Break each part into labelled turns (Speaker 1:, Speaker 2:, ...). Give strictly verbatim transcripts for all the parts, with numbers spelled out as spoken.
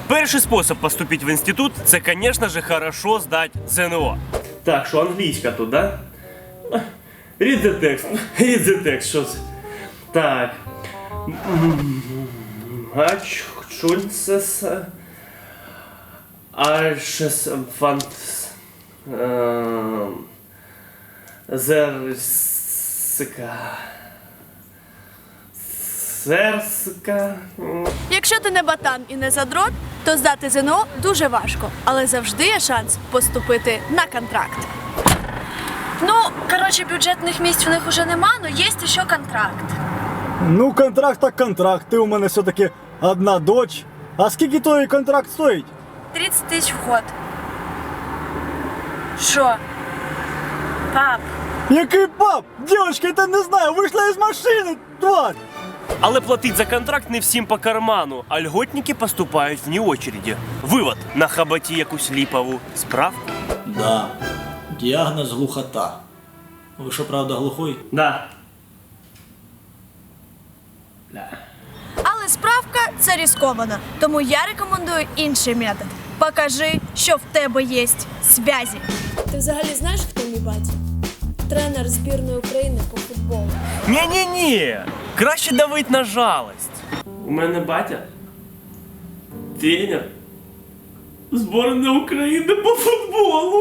Speaker 1: Перший спосіб поступить в інститут – це, звісно ж, хорошо здати ЗНО. Так, що англійська тут, да? Read the text. Read the text, що це? Так. Ачхчунсес. Альшес фантс. Зерска. Зерска.
Speaker 2: Якщо ти не ботан і не задрот, то здати ЗНО дуже важко, але завжди є шанс поступити на контракт. Ну, коротше, бюджетних місць у них уже нема, але є ще контракт.
Speaker 3: Ну, контракт так контракт. Ти у мене все-таки одна доч. А скільки той контракт стоїть?
Speaker 2: тридцять тисяч вход. Що? Пап,
Speaker 3: Який пап? Дівчинка, я та не знаю, вийшла із машини, тварь!
Speaker 1: Але платить за контракт не всім по карману, а льготники поступають вне очереді. Вивод – на хабаті якусь ліпову справку.
Speaker 4: Да. Діагноз глухота. Ви що, правда, глухой?
Speaker 1: Да.
Speaker 2: але справка – це ризиковано, тому я рекомендую інший метод. Покажи, що в тебе є зв'язі.
Speaker 5: Ти взагалі знаєш, хто мій батя? Тренер збірної України по футболу.
Speaker 1: Ні-ні-ні, краще давить на жалость. У мене батя тренер збірної України по футболу.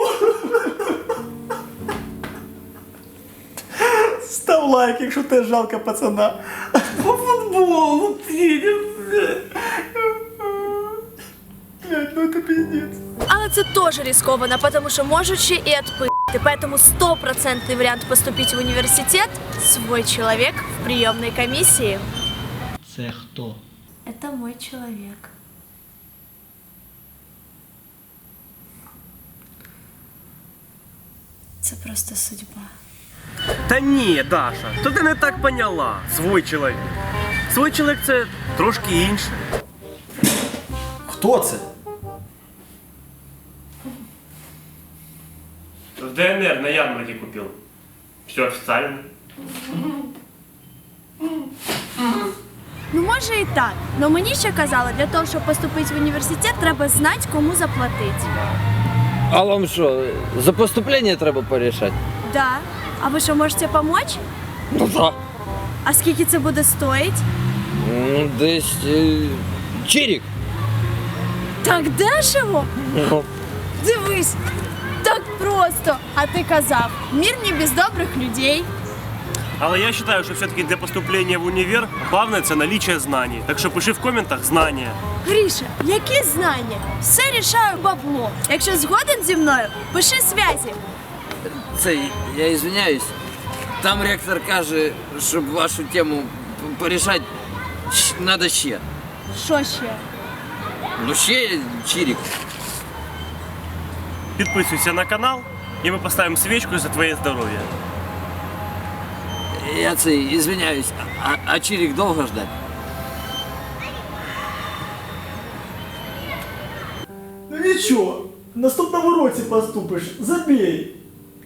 Speaker 3: Став лайк, якщо те жалко пацана.
Speaker 1: По футболу тренер.
Speaker 3: Блядь, ну це пиздец.
Speaker 2: Але це теж ризиковано, потому що можуть ще і отпи***ти. Поэтому стопроцентный вариант поступить в университет – свой человек в приемной комиссии.
Speaker 4: Це хто?
Speaker 2: Это мой человек. Це просто судьба.
Speaker 1: Та ні, Даша, то ти не так поняла. Свой чоловік. Свой чоловік – це трошки інше.
Speaker 3: Хто це?
Speaker 1: В ДНР на ярмарке купил. Все официально.
Speaker 2: Ну, може і так. Но мені ще казали, для того, щоб поступити в університет, треба знати, кому заплатити.
Speaker 6: А вам що, за поступлення треба порішати?
Speaker 2: Да. А ви що, можете допомогти?
Speaker 6: Ну так.
Speaker 2: А скільки це буде стоїть?
Speaker 6: Ну, десь е, чирік.
Speaker 2: Так дешево?
Speaker 6: Ну,
Speaker 2: Дивись, так просто. А ти казав, мир не без добрих людей.
Speaker 1: Але я вважаю, що все-таки для поступлення в універ головне – це наличие знаний. Так що пиши в коментах знання.
Speaker 2: Гріша, які знання? Все рішаю бабло. Якщо згоден зі мною, пиши зв'язі.
Speaker 6: це, я извиняюсь, там ректор каже, щоб вашу тему п- порішати, щ- надо ще.
Speaker 2: Що ще?
Speaker 6: Ну ще чирік.
Speaker 1: Підписуйся на канал, і ми поставимо свічку за твоє здоров'я.
Speaker 6: Я це, извиняюсь, а, а чирік довго ждать?
Speaker 3: Ну нічого, в наступному році поступиш, забій.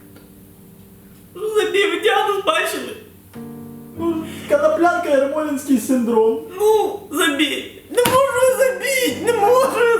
Speaker 1: Забій, ви діагноз бачили?
Speaker 3: Ну, Коноплянка, Ермолінський синдром.
Speaker 1: Ну, забій. Не можу забити, не можу